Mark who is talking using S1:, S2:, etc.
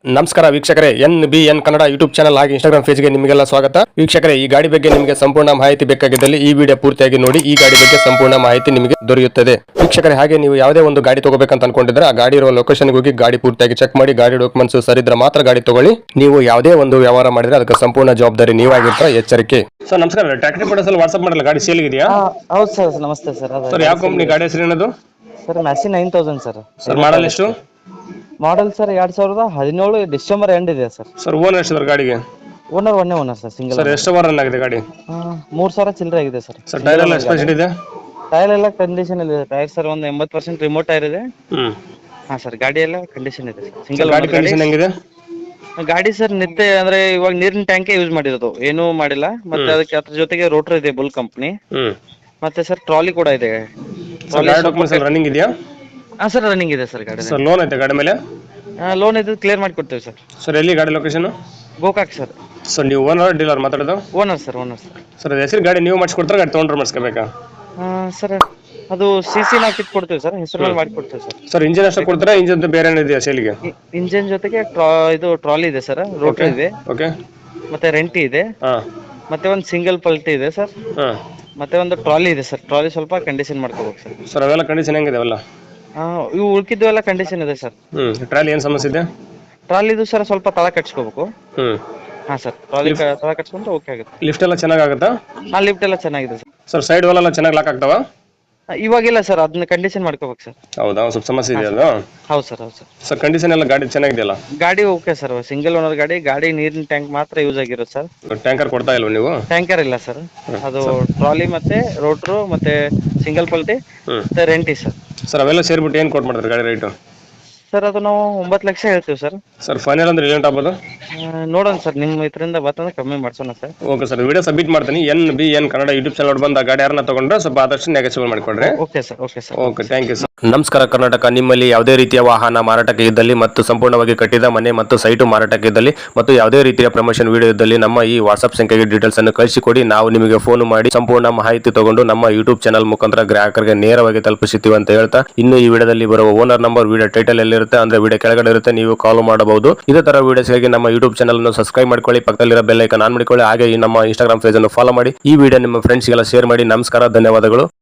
S1: ನಮಸ್ಕಾರ ವೀಕ್ಷಕರೇ, NBN Kannada YouTube channel ಹಾಗೆ ಇನ್ಸ್ಟಾಗ್ರಾಮ್ ಪೇಜ್ಗೆ ನಿಮಗೆಲ್ಲ ಸ್ವಾಗತ. ವೀಕ್ಷಕರೇ, ಈ ಗಾಡಿ ಬಗ್ಗೆ ನಿಮಗೆ ಸಂಪೂರ್ಣ ಮಾಹಿತಿ ಬೇಕಾಗಿದ್ದಲ್ಲಿ ಈ ವಿಡಿಯೋ ಪೂರ್ತಿಯಾಗಿ ನೋಡಿ. ಈ ಗಾಡಿ ಬಗ್ಗೆ ಸಂಪೂರ್ಣ ಮಾಹಿತಿ ನಿಮಗೆ ದೊರೆಯುತ್ತದೆ. ವೀಕ್ಷಕರೇ, ಹಾಗೆ ನೀವು ಯಾವುದೇ ಒಂದು ಗಾಡಿ ತಗೋಬೇಕಂತ ಅನ್ಕೊಂಡಿದ್ರೆ ಆ ಗಾಡಿ ಇರುವ ಲೊಕೇಶನ್ಗೆ ಹೋಗಿ ಗಾಡಿ ಪೂರ್ತಿಯಾಗಿ ಚೆಕ್ ಮಾಡಿ, ಗಾಡಿ ಡಾಕ್ಯುಮೆಂಟ್ಸ್ ಸರಿದ್ರೆ ಮಾತ್ರ ಗಾಡಿ ತಗೊಳ್ಳಿ. ನೀವು ಯಾವುದೇ ಒಂದು ವ್ಯವಹಾರ ಮಾಡಿದ್ರೆ ಅದಕ್ಕೆ ಸಂಪೂರ್ಣ ಜವಾಬ್ದಾರಿ ನೀವಾಗಿರ್ತೀರ, ಎಚ್ಚರಿಕೆ. ಸರ್ ನಮಸ್ಕಾರ, ಟ್ರ್ಯಾಕ್ಟರ್ ಫೋಟೋಸ್ ವಾಟ್ಸ್ಆಪ್ ಮಾಡಲ್ಲ, ಗಾಡಿ ಸೇಲ್ ಇದೆಯಾ?
S2: ಹೌದು ಸರ್, ನಮಸ್ತೆ ಸರ್.
S1: ಸರ್ ಯಾವ ಕಂಪನಿ ಗಾಡಿ ಹೆಸರು ಏನದು?
S2: Sir Massey 9000 sir.
S1: Sir model ಎಷ್ಟು?
S2: ಮಾಡಲ್ ಸರ್ 2017 ಡಿಸೆಂಬರ್ ಎಂಡ್ ಇದೆ ಸರ್.
S1: ಸರ್ ಓನರ್ ಎಷ್ಟು ಗಾಡಿಗೆ?
S2: ಓನರ್ ಒನ್ನೇ ಓನರ್ ಸರ್, ಸಿಂಗಲ್.
S1: ಸರ್ ಎಷ್ಟು ವಾರ ರನ್ ಆಗಿದೆ ಗಾಡಿ?
S2: 3000 ಚಿಲ್ಲರೆ ಆಗಿದೆ ಸರ್.
S1: ಸರ್ ಟೈರ್ ಎಲ್ಲ ಎಕ್ಸ್ಪೆನ್ಷನ್ ಇದೆ?
S2: ಟೈರ್ ಎಲ್ಲ ಕಂಡೀಷನ್ ಇದೆ ಟೈರ್ ಸರ್. ಒಂದು 80% ರಿಮೋಟ್ ಟೈರ್ ಇದೆ. ಹಾ ಸರ್, ಗಾಡಿ ಎಲ್ಲ ಕಂಡೀಷನ್ ಇದೆ ಸಿಂಗಲ್.
S1: ಗಾಡಿ ಕಂಡೀಷನ್ ಹೆಂಗಿದೆ?
S2: ಗಾಡಿ ಸರ್ ನಿತ್ಯ ಅಂದ್ರೆ ಇವಾಗ ನೀರಿನ ಟ್ಯಾಂಕೇ ಯೂಸ್ ಮಾಡಿರೋದು, ಏನೂ ಮಾಡಿಲ್ಲ. ಮತ್ತೆ ಅದಕ್ಕೆ ಅದ್ರ ಜೊತೆಗೆ ರೋಟರ್ ಇದೆ ಬುಲ್ ಕಂಪ್ನಿ. ಮತ್ತೆ ಸರ್ ಟ್ರಾಲಿ ಕೂಡ ಇದೆ.
S1: ರನ್ನಿಂಗ್ ಇದೆಯಾ?
S2: ಹಾ ಸರ್, ರನ್ನಿಂಗ್ ಇದೆ ಸರ್ ಗಾಡಿ.
S1: ಸರ್ ಲೋನ್ ಐತೆ ಗಾಡಿ ಮೇಲೆ?
S2: ಲೋನ್ ಇದು ಕ್ಲಿಯರ್ ಮಾಡಿ ಕೊಡ್ತೇವೆ ಸರ್.
S1: ಸರ್ ಎಲ್ಲಿ ಗಾಡಿ ಲೊಕೇಶನ್?
S2: ಗೋಕಾಕ್ ಸರ್.
S1: ಸರ್ ನೀವು ಓನರ್ ಡೀಲರ್ ಮಾತಾಡೋದು?
S2: Owner sir, owner sir.
S1: Sir ಅದು ಹೆಸರು ಗಾಡಿ ನೀವು ಮಾಡಿಸ್ಕೊಡ್ತಾರೆ, ಗಾಡಿ ತೊಗೊಂಡ್ರೆ ಮಾಡಿಸ್ಕೋಬೇಕಾ?
S2: ಸರ್ ಅದು CC ನಾವು ಕಿಟ್ ಕೊಡ್ತೇವೆ ಸರ್, ಹೆಸರು ಮೇಲೆ ಮಾಡಿ ಕೊಡ್ತೇವೆ ಸರ್.
S1: ಸರ್ ಇಂಜಿನ್ ಅಷ್ಟು ಕೊಡ್ತಾರೆ, ಇಂಜಿನ್ ಬೇರೆ ಏನಿದೆಯಾ ಸೇಲಿಗೆ?
S2: ಇಂಜಿನ್ ಜೊತೆಗೆ ಇದು ಟ್ರಾಲಿ ಇದೆ ಸರ್, ರೋಟರ್ ಇದೆ.
S1: ಓಕೆ.
S2: ಮತ್ತೆ ರೆಂಟಿ ಇದೆ. ಮತ್ತೆ ಒಂದು ಸಿಂಗಲ್ ಪಲ್ಟಿ ಇದೆ ಸರ್. ಮತ್ತೆ ಒಂದು ಟ್ರಾಲಿ ಇದೆ ಸರ್. ಟ್ರಾಲಿ ಸ್ವಲ್ಪ ಕಂಡೀಷನ್ ಮಾಡ್ಕೋಬೇಕು ಸರ್.
S1: ಸರ್ ಅವೆಲ್ಲ ಕಂಡೀಷನ್ ಹೆಂಗಿದೆ ಅವೆಲ್ಲ?
S2: ಇವು ಉಳ್ಕಿದ್ದು ಎಲ್ಲ ಕಂಡೀಷನ್ ಇದೆ ಸರ್.
S1: ಟ್ರಾಲಿ ಏನು ಸಮಸ್ಯೆ ಇದೆ?
S2: ಟ್ರಾಲಿದು ಸರ್ ಸ್ವಲ್ಪ ತಳ ಕಟ್ಸ್ಕೋಬೇಕು. ಹಾ ಸರ್, ಟ್ರಾಲಿ ತಳ ಕಟ್ಸ್ಕೊಂಡ್ರೆ ಓಕೆ ಆಗುತ್ತೆ.
S1: ಲಿಫ್ಟ್ ಎಲ್ಲ ಚೆನ್ನಾಗಾಗುತ್ತಾ?
S2: ಲಿಫ್ಟ್ ಎಲ್ಲ ಚೆನ್ನಾಗಿದೆ ಸರ್.
S1: ಸರ್ ಸೈಡ್ ವಾಲ್ ಎಲ್ಲ ಚೆನ್ನಾಗಿ ಲಾಕ್ ಆಗ್ತಾವ?
S2: ಇವಾಗಿಲ್ಲ ಸರ್, ಅದನ್ನ ಕಂಡೀಷನ್ ಮಾಡ್ಕೋಬೇಕು ಸರ್.
S1: ಹೌದಾ, ಸ್ವಲ್ಪ ಸಮಸ್ಯೆ ಇದೆ ಅದು?
S2: ಹೌದು ಸರ್, ಹೌದು ಸರ್.
S1: ಸರ್ ಕಂಡೀಷನ್ ಎಲ್ಲ ಗಾಡಿ ಚೆನ್ನಾಗಿದೆಯಲ್ಲ?
S2: ಗಾಡಿ ಓಕೆ ಸರ್, ಸಿಂಗಲ್ ಓನರ್ ಗಾಡಿ. ಗಾಡಿ ನೀರಿನ ಟ್ಯಾಂಕ್ ಮಾತ್ರ ಯೂಸ್ ಆಗಿರೋದು ಸರ್.
S1: ಟ್ಯಾಂಕರ್ ಕೊಡ್ತಾ ಇಲ್ವ ನೀವು?
S2: ಟ್ಯಾಂಕರ್ ಇಲ್ಲ ಸರ್, ಅದು ಟ್ರಾಲಿ ಮತ್ತೆ ರೋಟ್ರು ಮತ್ತೆ ಸಿಂಗಲ್ ಪಲ್ಟಿ ಮತ್ತೆ ರೆಂಟಿ ಸರ್.
S1: ಸರ್ ಅವೆಲ್ಲ ಸೇರ್ಬಿಟ್ಟು ಏನು ಕೊಟ್ಟು ಮಾಡ್ತಾರೆ ಗಾಡಿ ರೇಟು?
S2: ಸರ್ ಅದು ನಾವು 9 ಲಕ್ಷ ಹೇಳ್ತೀವಿ ಸರ್.
S1: ಸರ್ ಫೈನಲ್ ಅಂದ್ರೆ ಏನು ಆಗ್ಬೋದು?
S2: ನೋಡೋಣ ಸರ್, ನಿಮ್ಮ ಇದರಿಂದ ಬರ್ತಂದ್ರೆ ಕಮ್ಮಿ ಮಾಡ್ಸೋಣ sir.
S1: Okay sir, video submit ಮಾಡ್ತೀನಿ. NBN ಕನ್ನಡ ಯೂಟ್ಯೂಬ್ ಚಾನಲ್ ಬಂದ ಗಾಡಿ ಯಾರನ್ನ ತಗೊಂಡ್ರೆ ಸ್ವಲ್ಪ ಆದಷ್ಟು ನೆಗೆಸಿಬಲ್ ಮಾಡಿಕೊಡ್ರಿ.
S2: Okay sir, okay sir.
S1: Okay, thank you sir. ನಮಸ್ಕಾರ ಕರ್ನಾಟಕ. ನಿಮ್ಮಲ್ಲಿ ಯಾವುದೇ ರೀತಿಯ ವಾಹನ ಮಾರಾಟಕ್ಕೆ ಇದ್ದಲ್ಲಿ ಮತ್ತು ಸಂಪೂರ್ಣವಾಗಿ ಕಟ್ಟಿದ ಮನೆ ಮತ್ತು ಸೈಟು ಮಾರಾಟಕ್ಕೆ ಇದ್ದಲ್ಲಿ ಮತ್ತು ಯಾವುದೇ ರೀತಿಯ ಪ್ರಮೋಷನ್ ವಿಡಿಯೋ ಇದ್ದಲ್ಲಿ ನಮ್ಮ ಈ ವಾಟ್ಸ್ಆಪ್ ಸಂಖ್ಯೆಗೆ ಡೀಟೇಲ್ಸ್ ಅನ್ನು ಕಳಿಸಿಕೊಡಿ. ನಾವು ನಿಮಗೆ ಫೋನ್ ಮಾಡಿ ಸಂಪೂರ್ಣ ಮಾಹಿತಿ ತಗೊಂಡು ನಮ್ಮ ಯೂಟ್ಯೂಬ್ ಚಾನಲ್ ಮುಖಾಂತರ ಗ್ರಾಹಕರಿಗೆ ನೇರವಾಗಿ ತಲುಪಿಸುತ್ತೀವಿ ಅಂತ ಹೇಳ್ತಾ, ಇನ್ನು ಈ ವಿಡಿಯೋದಲ್ಲಿ ಬರುವ ಓನರ್ ನಂಬರ್ ವಿಡಿಯೋ ಟೈಟಲ್ ಎಲ್ಲಿರುತ್ತೆ ಅಂದ್ರೆ ವಿಡಿಯೋ ಕೆಳಗಡೆ ಇರುತ್ತೆ, ನೀವು ಕಾಲ್ ಮಾಡಬಹುದು. ಇದೇ ತರ ವಿಡಿಯೋಸ್ಗಾಗಿ ನಮ್ಮ ಯೂಟ್ಯೂಬ್ ಚಾನಲ್ ಅನ್ನು ಸಬ್ಸ್ಕ್ರೈಬ್ ಮಾಡ್ಕೊಳ್ಳಿ, ಪಕ್ಕದಲ್ಲಿರೋ ಬೆಲ್ ಐಕಾನ್ ಆನ್ ಮಾಡಿಕೊಳ್ಳಿ. ಹಾಗೆ ಈ ನಮ್ಮ ಇನ್ಸ್ಟಾಗ್ರಾಮ್ ಪೇಜ್ ಅನ್ನು ಫಾಲೋ ಮಾಡಿ. ಈ ವಿಡಿಯೋ ನಿಮ್ಮ ಫ್ರೆಂಡ್ಸ್ಗೆಲ್ಲ ಶೇರ್ ಮಾಡಿ. ನಮಸ್ಕಾರ, ಧನ್ಯವಾದಗಳು.